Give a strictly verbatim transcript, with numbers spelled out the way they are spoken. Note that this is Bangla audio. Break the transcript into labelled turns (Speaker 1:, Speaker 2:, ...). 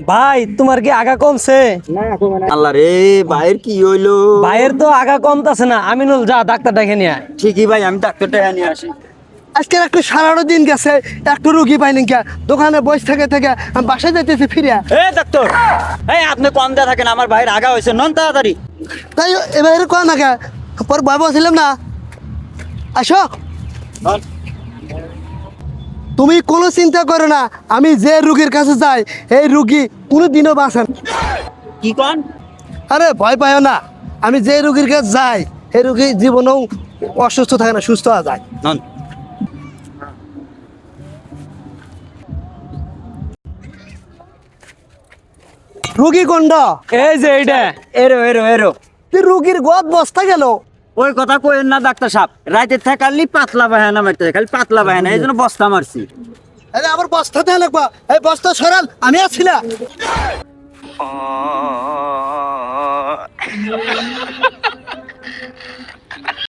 Speaker 1: ভাই তোমার কি আগা কমছে?
Speaker 2: আল্লাহ রে, ভাইয়ের কি হইলো?
Speaker 1: ভাইয়ের তো আগা কমতাছে না। আমিনুল যা ডাক্তার ডেকে নিয়ে আয়।
Speaker 2: ঠিকই ভাই, আমি ডাক্তারটা নিয়ে আসি।
Speaker 3: আজকে একটু সারাটা দিন গেছে, একটু রুগী পাইনি কে দোকানে বসে থেকে থেকে আমি বাসায় যাইতেছি ফিরিয়া।
Speaker 2: এ ডাক্তার, এই আপনি কম দেয়া থাকেন, আমার ভাইয়ের আগা হয়েছে, নন তাড়াতাড়ি।
Speaker 3: তাই এবার কয় না কে পর ভয় বলছিলাম না। আসো,
Speaker 2: নন।
Speaker 3: তুমি কোনো চিন্তা করো না, আমি যে রুগীর কাছে যাই এই রুগী কোনো দিনও বাঁচেন।
Speaker 2: কি কন?
Speaker 3: আরে ভয় পাইও না, আমি যে রুগীর কাছে যাই এই রুগী জীবনেও অসুস্থ থাকে না, সুস্থ হয়ে যায়।
Speaker 2: নন।
Speaker 3: রুগী কোনটা?
Speaker 1: এই যে এইটা।
Speaker 2: এরো এরো এরো।
Speaker 3: তুই রুগীর গদ বস্তা গেল।
Speaker 2: ওই কথা কইেন না ডাক্তার সাহেব, রাতে থাকালি পাতলা বাহানা মারতে খালি পাতলা বাহানা, এই জন্য বস্তা মারছি।
Speaker 3: আরে আমার বস্তা দেওয়া লাগবা, এই বস্তা সরাল, আমি আছি না।